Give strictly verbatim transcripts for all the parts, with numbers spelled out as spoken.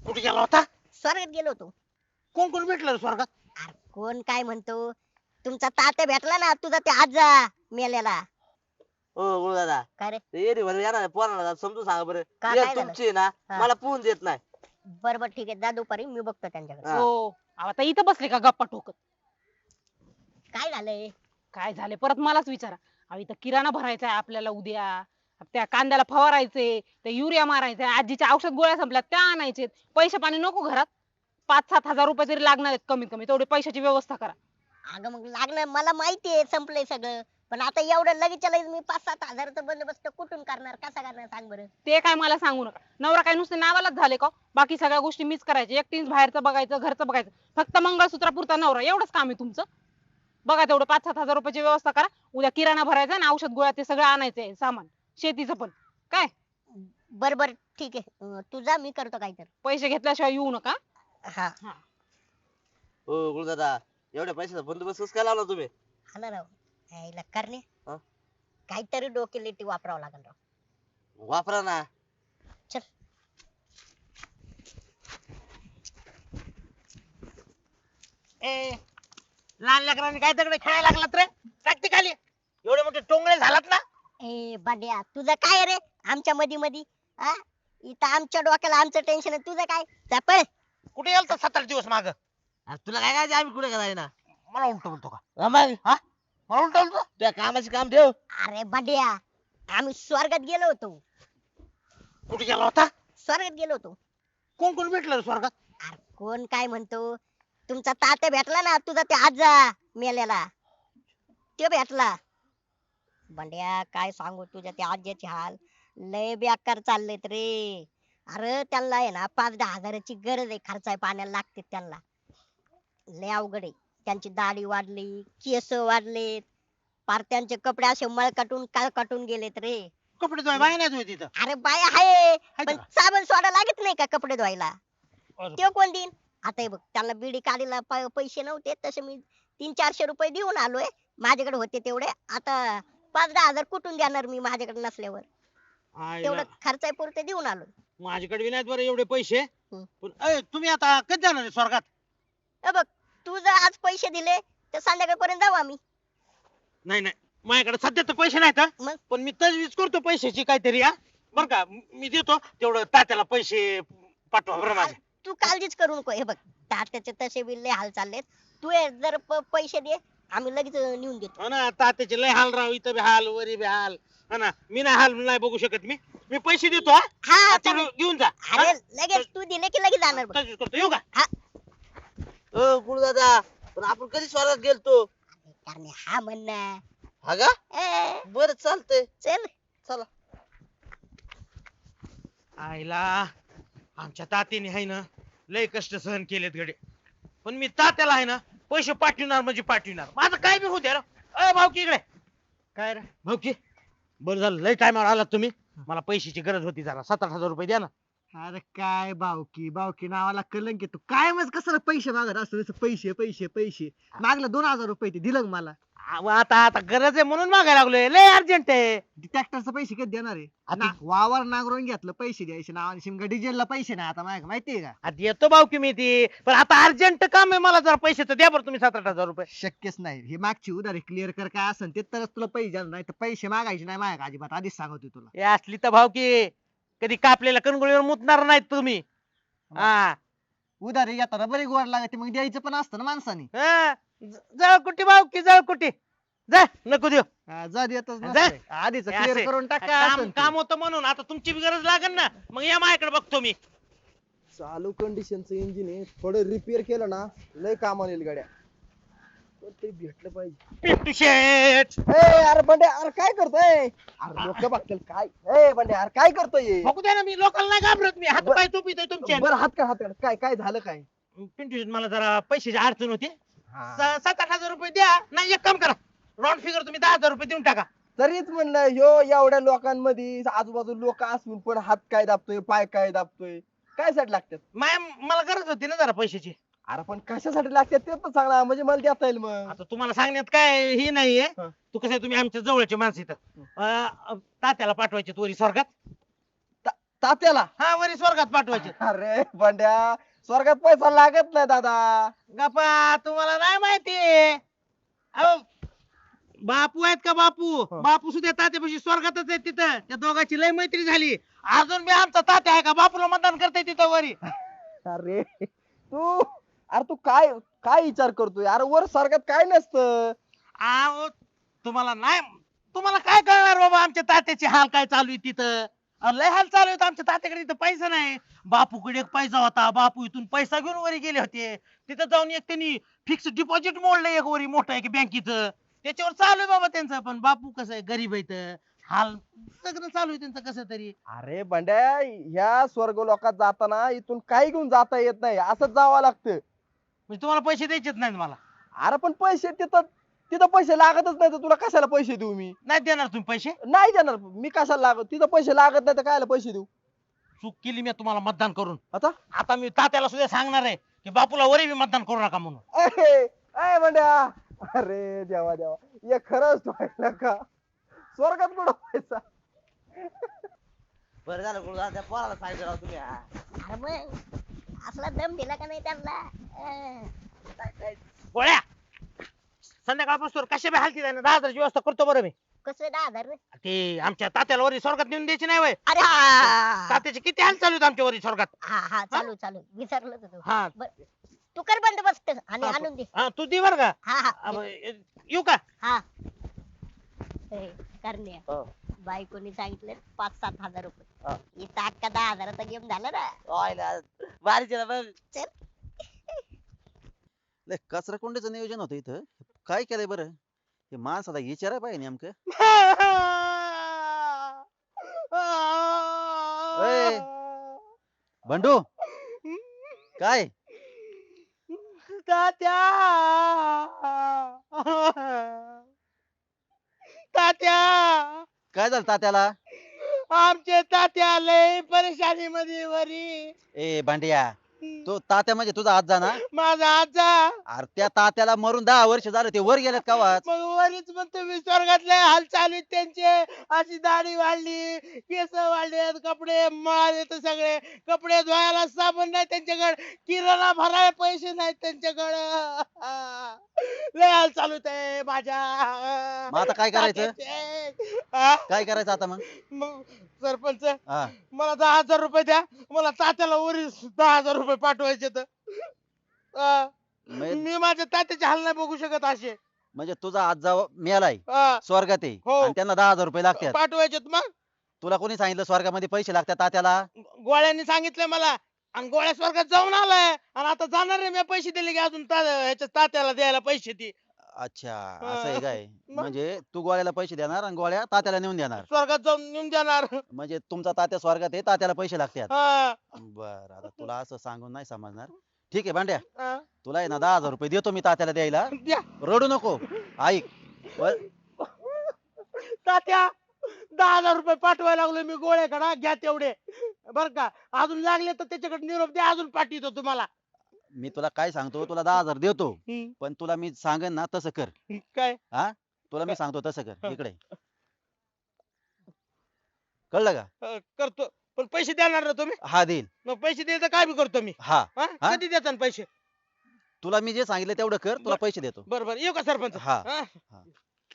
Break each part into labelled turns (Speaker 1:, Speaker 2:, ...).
Speaker 1: कुठे गेला होता?
Speaker 2: स्वर्गात गेलो होतो.
Speaker 1: कोण कोण भेटलं रे स्वर्गात?
Speaker 2: अरे कोण काय म्हणतो, तुमचा तात्या भेटला ना, तुझा ते आजा मेलेला.
Speaker 3: हो गुरु दादा
Speaker 2: काय रे?
Speaker 3: ते येरी बरं येणार पोराला समजून सांगा बरं.
Speaker 2: का,
Speaker 3: एक
Speaker 2: काय झालं?
Speaker 3: तुमची आहे ना
Speaker 2: हा.
Speaker 3: मला पोहून देत नाही.
Speaker 2: बर बर ठीक आहे, जा दुपारी मी बघतो त्यांच्याकडे.
Speaker 3: हा.
Speaker 4: हो अहो, आता इथं बसले का गप्पा ठोकत?
Speaker 2: काय झालंय?
Speaker 4: काय झाले परत मलाच विचारा. अहो इथं किराणा भरायचा आहे आपल्याला उद्या, त्या कांद्याला फवारायचे, ते युरिया मारायचा, आजीच्या औषध गोळ्या संपल्या त्या आणायचे. पैसे पाणी नको घरात? पाच सात हजार रुपये तरी लागणार आहेत कमीत कमी, तेवढी पैशाची व्यवस्था करा.
Speaker 2: अगं मग लागणार, मला माहितीये संपलंय सगळं, पण आता एवढं लगेच लगेच मी पाच सात हजाराचा बंदोबस्त कुठून करणार, कसा करणार सांग बरं.
Speaker 4: ते काय मला सांगू नका. नवरा काय नुसते नावालाच झाले का? बाकी सगळ्या गोष्टी मीच करायच्या. एकटीच बाहेरचं बघायचं, घरचं बघायचं. फक्त मंगळसूत्रापुरता नवरा, एवढंच काम आहे तुमचं. बघा तेवढं पाच सात हजार रुपयाची व्यवस्था करा. उद्या किराणा भरायचा आणि औषध गोळ्या ते सगळं आणायचंय सामान, शेतीचं पण. काय
Speaker 2: बर बर ठीक आहे, अं, तू जा, मी करतो काहीतरी.
Speaker 4: पैसे घेतल्याशिवाय येऊ नका.
Speaker 2: हा
Speaker 3: हो गुरु दादा एवढ्या पैशाचा बंदोबस्त कसं काय लावला तुम्ही?
Speaker 2: हा ना राव, यायला करणे
Speaker 3: हा?
Speaker 2: काहीतरी डोकेलिटी वापरावं लागेल राव.
Speaker 3: वापरा ना.
Speaker 2: चल.
Speaker 1: ए लहान लेकरांनी काय दगड खेळायला लागलात रे? टाकते खाली. एवढे मोठे टोंगळे झालात ना.
Speaker 2: ए बांड्या, तुझं काय रे आमच्या मधी मधी? हा, इथं आमच्या डोक्याला आमचं टेन्शन आहे, तुझं काय? जा पळ.
Speaker 1: कुठे गेलता सात आठ दिवस माग?
Speaker 3: तुला काय काय आम्ही कुठे करायला ना
Speaker 1: मला उलट बोलतो का?
Speaker 3: हा मग
Speaker 1: हा मला उलट बोलतो?
Speaker 3: त्या कामाचे काम ठेव.
Speaker 2: अरे बांड्या, आम्ही स्वर्गात गेलो होतो.
Speaker 1: कुठे गेला होता?
Speaker 2: स्वर्गात गेलो होतो.
Speaker 1: कोण कोण भेटलं रे स्वर्गात?
Speaker 2: अरे कोण काय म्हणतो, तुमचा तात्या भेटला ना, तुझा ते आजा मेलेला, तो भेटला. बंड्या काय सांगू तुझ्या त्या आज्याचे हाल, लय बेकार चाललेत रे. अरे त्यांना आहे ना पाच दहा हजाराची गरज आहे, खर्चाय पाण्याला लागते त्यांना. लय अवघड आहे. त्यांची दाढी वाढली, केस वाढलेत, पार त्यांचे कपडे असे मळकाटून काळकाटून गेलेत रे.
Speaker 1: कपडे धुवाय बाय नाही धुवाय तिथं.
Speaker 2: अरे बाया आहे,
Speaker 1: हाय
Speaker 2: पण
Speaker 1: का?
Speaker 2: साबण सोडा लागत नाही का कपडे धुवायला?
Speaker 1: अरे.
Speaker 2: ते कोण देईन? आता हे बघ, त्यांना बिडी काढीला प- पैसे नव्हते, तसे मी तीन चारशे रुपये देऊन आलोय. माझ्याकडे होते तेवढे, आता पाच दहा हजार कुठून देणार मी माझ्याकडे नसल्यावर?
Speaker 1: आईला.
Speaker 2: तेवढं खर्चाय पुरते देऊन आलोय.
Speaker 1: माझ्याकडे बी नाहीत बरं एवढे पैसे.
Speaker 2: हम्म.
Speaker 1: पण ए, तुम्ही आता कधी जाणार आहे स्वर्गात?
Speaker 2: हे बघ, तू जर आज पैसे दिले तर संध्याकाळपर्यंत जाऊ आम्ही.
Speaker 1: नाही नाही माझ्याकडे सध्या तर पैसे नाहीत हा.
Speaker 2: मग?
Speaker 1: पण मी तजवीज करतो पैशाची काहीतरी हा. बर का मी देतो तेवढं तात्याला पैसे पाठवा बरं माझे.
Speaker 2: तू काळजीच करू नको. हे बघ, तात्याचे तसे बी लय हाल चाललेत. तू ये, जर प- पैसे दे, आम्ही लगेच नेऊन देतो.
Speaker 1: हो ना तात्याचे लय हाल राव, इथं बी हाल वरी बी हाल. हा ना मी नाही हाल नाही बघू शकत. मी मी पैसे देतो हा.
Speaker 2: हा
Speaker 1: आता
Speaker 2: चालेल.
Speaker 1: घेऊन जा.
Speaker 2: अरे लगेच तू दिले की लगेच जाणार बघ.
Speaker 1: तजवीज करतो येऊ का?
Speaker 3: हो गुरु दादा पण आपण कधी स्वर्गात गेलतो?
Speaker 2: कारण हा म्हणणं.
Speaker 3: हा का?
Speaker 2: ए,
Speaker 3: बरं चालतंय.
Speaker 2: चल.
Speaker 3: चला.
Speaker 1: आईला आमच्या तात्याने आहे ना लय कष्ट सहन केलेत गडे. पण मी तात्याला आहे ना पैसे पाठविणार म्हणजे पाठविणार. माझं काय बी होऊ द्या. अ भाऊकी इकडे. काय रे भाऊकी? बरं झालं लय टायमावर आलात तुम्ही. मला पैशाची गरज होती, जरा सात आठ हजार रुपये द्या ना.
Speaker 5: अरे काय बावकी बावकी नावाला कलंक येतो काय मग कशाला पैसे मागत असतो नुसतं पैसे पैसे पैसे मागलं दोन हजार रुपये ते दिलं का मला
Speaker 1: अहो, आता आता गरज आहे म्हणून मागायला लागलोय, लय अर्जंट आहे.
Speaker 5: ट्रॅक्टरचे पैसे कधी देणार आहे
Speaker 1: आता-
Speaker 5: ना, वावर नांगरून घेतलं पैसे द्यायचे नावाने शिमगा डिझेलला पैसे नाही आता माझ्या माहितीये का
Speaker 1: आता येतो भाऊकी मी ती, पण आता अर्जंट काम आहे मला, जरा पैसे तर द्या बरं तुम्ही सात आठ हजार रुपये.
Speaker 5: शक्यच नाही ही मागची उधारी क्लिअर कर काय असेल ते तरच तुला पैसे देणार नाही तर पैसे मागायचे नाही माझ्या अजिबात आधीच सांगतोय तुला
Speaker 1: हे असली तर भाऊकी कधी कापलेल्या कणगोळीवर मुतणार नाहीत तुम्ही. हा
Speaker 5: उधारी घेताना बरी गोड लागते मग द्यायचं पण असतं ना माणसाने
Speaker 1: हा. ज- जळकुटी भाऊकी जळकुटी जा नको देऊ.
Speaker 5: हा, जा देतच
Speaker 1: जा.
Speaker 5: नसतंय. आधीच
Speaker 1: हे
Speaker 5: क्लिअर
Speaker 1: असे
Speaker 5: करून टाका
Speaker 1: काम
Speaker 5: असेल ते.
Speaker 1: काम होतं म्हणून आता तुमची बी गरज लागेल ना, मग या माझ्याकडे बघतो मी.
Speaker 6: चालू कंडिशनचं इंजिन आहे थोडं रिपेअर केलं ना लय कामाला येईल गाड्या कोणतरी भेटलं पाहिजे.
Speaker 1: पिंटू शेठ
Speaker 6: ए अरे बंडे अरे काय करतोय अरे लोक बघतील काय ए बंडे अरे काय करतोय
Speaker 1: बघू द्या ना, मी लोकांना नाही घाबरत, मी हात पाय टोपीतोय तुमच्या.
Speaker 6: बरं हात का हात काढ. काय काय झालं काय
Speaker 1: पिंटू शेठ मला जरा पैशाची अडचण होती.
Speaker 6: हा.
Speaker 1: स- सात आठ हजार रुपये द्या. नाही एक काम करा, राऊंड फिगर तुम्ही दहा हजार रुपये देऊन टाका.
Speaker 6: तरीच म्हणलं ह्यो एवढ्या लोकांमध्ये आजूबाजू लोक असून पण हात काय दाबतोय पाय काय दाबतोय काय साठी लागतात
Speaker 1: माया मला गरज होती ना जरा पैशाची.
Speaker 6: अरे पण कशासाठी लागतात ते पण सांगा म्हणजे मला देता येईल मग
Speaker 1: आता तुम्हाला सांगण्यात काय हे नाहीये.
Speaker 6: हा.
Speaker 1: तू कसं आहे, तुम्ही आमच्या जवळचे माणसं इथं. अं, तात्याला पाठवायचे तोरी स्वर्गात.
Speaker 6: तात्याला
Speaker 1: हा वरी स्वर्गात पाठवायचे.
Speaker 6: अरे बंड्या स्वर्गात पैसा लागत नाही दादा.
Speaker 1: गप्पा तुम्हाला नाही माहिती अहो बापू आहेत का बापू बापू सुद्धा तात्यापाशी स्वर्गातच आहेत तिथं त्या दोघांची लय मैत्री झाली. अजून मी आमचा तात्या आहे का बापूला मतदान करताय तिथं वरी.
Speaker 6: अरे तू अरे तू काय काय विचार करतोय अरे वर स्वर्गात काय नसतं.
Speaker 1: अहो तुम्हाला नाही तुम्हाला काय कळणार बाबा आमच्या तात्याचे हाल काय चालू आहे तिथं. अहो, लय हाल चालू आहेत आमच्या तात्याकडे इथं पैसा नाही. बापूकडे एक पैसा होता बापू इथून पैसा घेऊन वरी गेले होते. तिथं जाऊन एक त्यांनी फिक्स डिपॉझिट मोडलं एक वरी मोठं आहे बँकेचं त्याच्यावर चालू आहे बाबा त्यांचं. पण बापू कसं आहे गरीब आहे इथं हाल सगळं चालू आहे त्यांचं कसं तरी.
Speaker 6: अरे बंड्या ह्या स्वर्ग लोकात जाताना इथून काही घेऊन जाता येत नाही असंच जावं लागतं.
Speaker 1: म्हणजे तुम्हाला पैसे द्यायचेच नाहीत मला.
Speaker 6: अरे पण पैसे तिथं तिथं पैसे लागतच नाही तर तुला कशाला पैसे देऊ मी.
Speaker 1: नाही देणार तुम्ही पैसे.
Speaker 6: नाही देणार मी कशाला लागत तिथं पैसे लागत नाही तर कायला पैसे देऊ.
Speaker 1: चूक केली मी तुम्हाला मतदान करून.
Speaker 6: आता
Speaker 1: आता मी तात्याला सुद्धा सांगणार आहे की बापूला वरी बी मतदान करू नका म्हणून.
Speaker 6: ए, ए बंड्या अरे देवा देवा हे खरंच व्हायला का स्वर्गात कुठं पैसा.
Speaker 3: बरं झालं गुरुदादा त्या पोराला सांगितलं राव तुम्ही हा.
Speaker 2: अरे मग असला दम दिला का नाही त्यांना अं.
Speaker 1: गोळ्या संध्याकाळपासून कशा बी हालती जाईना दहा हजाराची व्यवस्था करतो बरं मी.
Speaker 2: कसले दहा हजार रे?
Speaker 1: ते आमच्या तात्याला वरी स्वर्गात नेऊन द्यायची नाही वय.
Speaker 2: अरे हा
Speaker 1: तात्याचे किती हाल चालू आहेत आमच्या वरी स्वर्गात.
Speaker 2: हा हा चालू चालू विसरलो तू
Speaker 1: हा
Speaker 2: तू कर बंदोबस्त आणि
Speaker 1: हा,
Speaker 2: आणून दे.
Speaker 1: हा तू दे बर का.
Speaker 2: हा हा
Speaker 1: अब, येऊ का.
Speaker 2: हा ए, करण्या
Speaker 3: हो.
Speaker 2: बायकोनी सांगितलं पाच सात हजार रुपये
Speaker 3: हा.
Speaker 2: इथं अख्खा दहा हजाराचा गेम झाला ना.
Speaker 3: ओयला, भारीच आहे ना बघ.
Speaker 2: चल
Speaker 7: लय कचरा कोंडीचं नियोजन होतं इथं काय केलंय बरं हे माणसाला विचाराय पाहिजे नेमकं. ए, बंडू काय
Speaker 1: तात्या तात्या
Speaker 7: काय झालं तात्याला.
Speaker 1: आमचे तात्या लय परेशानी मध्ये वरी.
Speaker 7: ए भांड्या तो तात्या म्हणजे तुझा आजा ना.
Speaker 1: माझा आजा
Speaker 7: अरे त्या तात्याला मरून दहा वर्ष झालं ते वर गेलेत का वाच.
Speaker 1: मग वरीच म्हणतो मी स्वर्गातले हाल चालू आहेत त्यांचे. अशी दाढी वाढली केस वाढलेत कपडे मळाले तर सगळे कपडे धुवायला साबण नाही त्यांच्याकडे किराणा भरायला पैसे नाहीत त्यांच्याकडे. लय हाल चालू आहे माझ्या.
Speaker 7: मग आता काय करायचं?
Speaker 1: तात्याचे. हा?
Speaker 7: काय करायचं आता मग.
Speaker 1: मग सरपंच
Speaker 7: हा
Speaker 1: मला दहा हजार रुपये द्या मला तात्याला वरी दहा हजार रुपये पाठवायचे तर. हा.
Speaker 7: म्हणजे
Speaker 1: मी माझ्या तात्याचे हाल नाही बघू शकत असे.
Speaker 7: म्हणजे तुझा आजा मेलाय
Speaker 1: हा.
Speaker 7: स्वर्गात आहे
Speaker 1: हो.
Speaker 7: आणि त्यांना दहा हजार रुपये लागतात.
Speaker 1: पाठवायचेत मग.
Speaker 7: तुला कोणी सांगितलं स्वर्गामध्ये पैसे लागतात तात्याला.
Speaker 1: गोळ्यांनी सांगितलं मला आणि गोळ्या स्वर्गात जाऊन आलाय आणि आता जाणार आहे मी पैसे दिले की अजून ता- ह्याच्या तात्याला द्यायला पैसे ती.
Speaker 7: अच्छा असं आहे काय.
Speaker 1: मग?
Speaker 7: म्हणजे तू गोळ्याला पैसे देणार आणि गोळ्या तात्याला नेऊन देणार.
Speaker 1: स्वर्गात जाऊन नेऊन देणार.
Speaker 7: म्हणजे तुमचा तात्या स्वर्गात आहे तात्याला पैसे लागतात.
Speaker 1: हा.
Speaker 7: बर आता तुला असं सांगून नाही समजणार. ठीक आहे भांड्या
Speaker 1: हा.
Speaker 7: तुला आहे ना दहा हजार रुपये देतो मी तात्याला द्यायला.
Speaker 1: द्या.
Speaker 7: रडू नको ऐक. बर
Speaker 1: तात्या दहा हजार रुपये पाठवायला लागलो मी गोळ्याकडे घ्या तेवढे बर का. अजून लागले तर त्याच्याकडे निरोप द्या अजून पाठवतो तुम्हाला.
Speaker 7: मी तुला काय सांगतो तुला दहा हजार देतो
Speaker 1: हम्म.
Speaker 7: पण तुला मी सांगेन ना तसं कर.
Speaker 1: काय
Speaker 7: तुला मी सांगतो तसं कर.
Speaker 1: हा.
Speaker 7: इकडे कळलं का.
Speaker 1: अं, करतो पण पैसे देणार ना तुम्ही.
Speaker 7: हा देईल.
Speaker 1: मग पैसे द्यायचं काय बी करतो मी.
Speaker 7: हा
Speaker 1: हा?
Speaker 7: हा?
Speaker 1: कधी देता पैसे.
Speaker 7: तुला मी जे सांगितलं तेवढं कर तुला
Speaker 1: बर.
Speaker 7: पैसे देतो.
Speaker 1: बरं बरं येऊ का सरपंच.
Speaker 7: हा.
Speaker 1: हा?
Speaker 7: हा.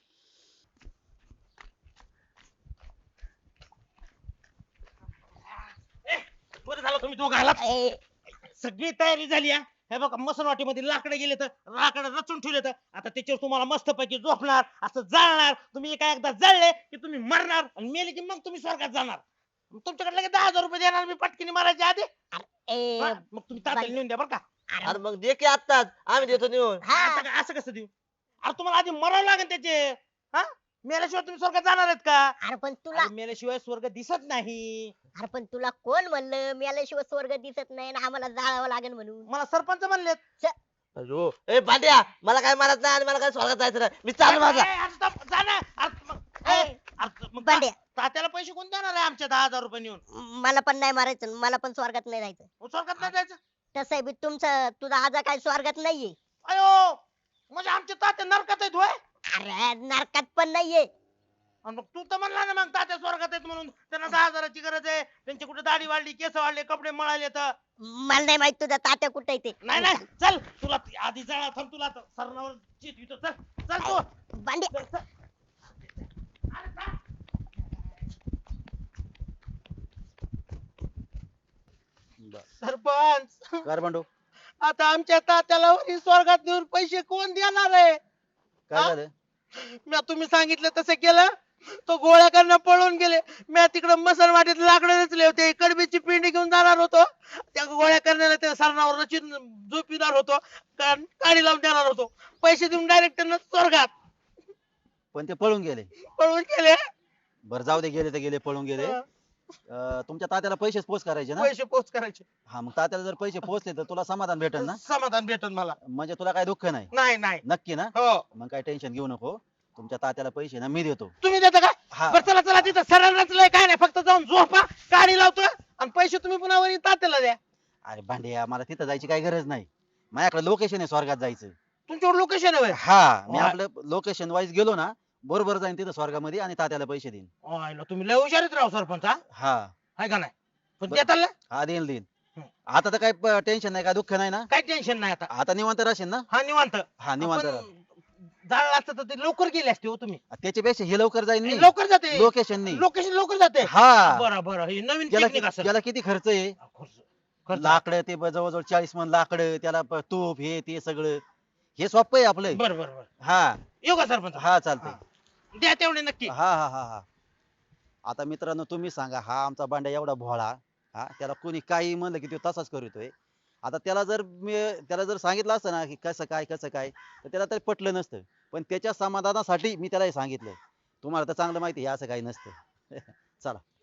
Speaker 1: बरं झालं तुम्ही दोघं आलात.
Speaker 2: ए,
Speaker 1: सगळी तयारी झाली आहे. हे बघा मसनवाटीमध्ये लाकडे गेले तर लाकडं रचून ठेवले तर आता त्याच्यावर तुम्हाला मस्त पैकी झोपणार असं जाळणार. तुम्ही एका एकदा जळले की तुम्ही मरणार आणि मेले की मग तुम्ही स्वर्गात जाणार. मग तुमच्याकडे लगेच दहा हजार रुपये देणार मी पटकीने मारायच्या आधी.
Speaker 2: ए,
Speaker 1: हा? मग तुम्ही तात्याला नेऊन द्या बरं का.
Speaker 3: अरे मग दे की आत्ताच आम्ही देतो नेऊन.
Speaker 2: हा
Speaker 1: आता काय असं कसं देऊ. अरे तुम्हाला आधी मरावं लागेल त्याचे. हा मेल्याशिवाय तुम्ही स्वर्गात जाणार आहेत का.
Speaker 2: अरे पण तुला
Speaker 1: अरे मेल्याशिवाय स्वर्ग दिसत नाही.
Speaker 2: अरे पण तुला कोण म्हणलं मेल्याशिवाय स्वर्ग दिसत नाही ना आम्हाला जाळावं लागेल म्हणून.
Speaker 1: मला सरपंच म्हणलेत.
Speaker 3: अयो ए भांड्या मला काय मारत नाही आणि मला काय स्वर्गात जायचं नाही मी चालू माझा.
Speaker 1: ए, अरे stop, जा ना. अरे मग- ए,
Speaker 2: ए,
Speaker 1: अरे मग
Speaker 2: भांड्या.
Speaker 1: ता- तात्याला पैसे कोण देणार आहे आमच्या दहा हजार रुपये नेऊन.
Speaker 2: मला पण नाही मारायचं मला पण स्वर्गात नाही जायचं.
Speaker 1: मग स्वर्गात नाही जायचं.
Speaker 2: तसं आहे बी तुमचं तुझा आजा काय स्वर्गात नाहीये.
Speaker 1: अयो म्हणजे आमच्या तात्या नरकात आहेत होय.
Speaker 2: अरे नरकात पण नाहीये.
Speaker 1: आणि मग तू तर म्हणला ना मग तात्या स्वर्गात आहेत म्हणून, त्यांना दहा हजाराची गरज आहे, त्यांची कुठे दाढी वाढली, केस वाढले, कपडे मळाले तर.
Speaker 2: मला नाही माहित तुझा तात्या कुठे आहे ते.
Speaker 1: नाही नाही चल, तुला आधी जाळा थांब, तुला आता सरणावर चित चल चल तू.
Speaker 2: भांड्या
Speaker 1: चल, चल. अरे चल.
Speaker 7: बर.
Speaker 1: सरपंच,
Speaker 7: कर बंडू
Speaker 1: आता आमच्या तात्याला वरी स्वर्गात नेऊन पैसे कोण देणार आहे?
Speaker 7: काय
Speaker 1: हा?
Speaker 7: झालं?
Speaker 1: मी तुम्ही सांगितलं तसं केलं, तो गोळ्या करणं पळून गेले. मी तिकडे मसन वाटीत लाकडं रचले होते, कडबीची पिंडी घेऊन जाणार होतो, त्या गोळ्या करण्याला त्या सरणावर रचून झोपिणार होतो, का- काडी लावून देणार होतो, पैसे देऊन डायरेक्ट स्वर्गात
Speaker 7: पण ते पळून गेले.
Speaker 1: पळून गेले.
Speaker 7: बरं जाऊ दे, गेले तर गेले, पळून गेले. अं, तुमच्या तात्याला पैसेच पोच करायचे ना?
Speaker 1: पैसे पोच करायचे,
Speaker 7: हा, मग तात्याला जर पैसे पोचले तर तुला समाधान भेटेल ना?
Speaker 1: समाधान भेटन मला.
Speaker 7: म्हणजे तुला काय दुःख नाही?
Speaker 1: नाही नाही
Speaker 7: नक्की ना?
Speaker 1: हो.
Speaker 7: मग काय टेन्शन घेऊ नको, तुमच्या तात्याला पैसे ना मी देतो.
Speaker 1: तुम्ही देता का?
Speaker 7: हा.
Speaker 1: बरं चला चला, तिथं सरळ रचलंय काय नाही, फक्त जाऊन झोपा, गाडी लावतो आणि पैसे तुम्ही पुन्हा वरी तात्याला द्या.
Speaker 7: अरे भांड्या, मला तिथं जायची काही गरज नाही, माझ्याकडे लोकेशन आहे स्वर्गात जायचं.
Speaker 1: तुमच्यावर लोकेशन आहे.
Speaker 7: हा, मी
Speaker 1: वा.
Speaker 7: आपलं लोकेशन वाईज गेलो ना, बरोबर जाईन तिथं स्वर्गामध्ये आणि तात्याला पैसे देईन.
Speaker 1: ओय, तुम्ही लय हुशारीत राव सरपंच. हा
Speaker 7: हा
Speaker 1: आहे का नाही? पण
Speaker 7: बरं.
Speaker 1: देताल ना?
Speaker 7: हा, देईन देईन.
Speaker 1: हं.
Speaker 7: आता तर काही टेन्शन नाही, काय दुःख नाही ना?
Speaker 1: काही टेन्शन नाही आता.
Speaker 7: आता निवांत राहशील ना?
Speaker 1: हा निवांत.
Speaker 7: हा, निवांत
Speaker 1: आपण
Speaker 7: राहा.
Speaker 1: जाळलं असतं तर ते लवकर गेले असते हो तुम्ही.
Speaker 7: त्याच्यापेक्षा हे लवकर जाईन मी.
Speaker 1: लवकर जाते
Speaker 7: लोकेशन नाही.
Speaker 1: लोकेशन, लवकर जाते.
Speaker 7: हा,
Speaker 1: बरं बरं, ही नवीन
Speaker 7: त्याला
Speaker 1: टेक्निक
Speaker 7: कि-
Speaker 1: असेल.
Speaker 7: त्याला किती खर्च आहे?
Speaker 1: खर्च- खर्च.
Speaker 7: लाकडं ते ब- जवळजवळ चाळीस मन लाकडं, त्याला प- तूप हे ते सगळं, हे सोपं आहे आपलं.
Speaker 1: बरं बरं बरं,
Speaker 7: हा
Speaker 1: येऊ का सरपंच?
Speaker 7: हा, चालतंय.
Speaker 1: द्या तेवढे नक्की.
Speaker 7: हा हा हा हा. आता मित्रांनो तुम्ही सांगा, हा आमचा बांड्या एवढा भोळा, हा, त्याला कोणी काही म्हणलं की तो तसाच करतोय. आता त्याला जर मी त्याला जर सांगितलं असतं ना की कसं काय कसं काय, तर त्याला तरी पटलं नसतं. पण त्याच्या समाधानासाठी मी त्याला हे सांगितलं. तुम्हाला तर चांगलं माहिती आहे, हे असं काही नसतं. चला.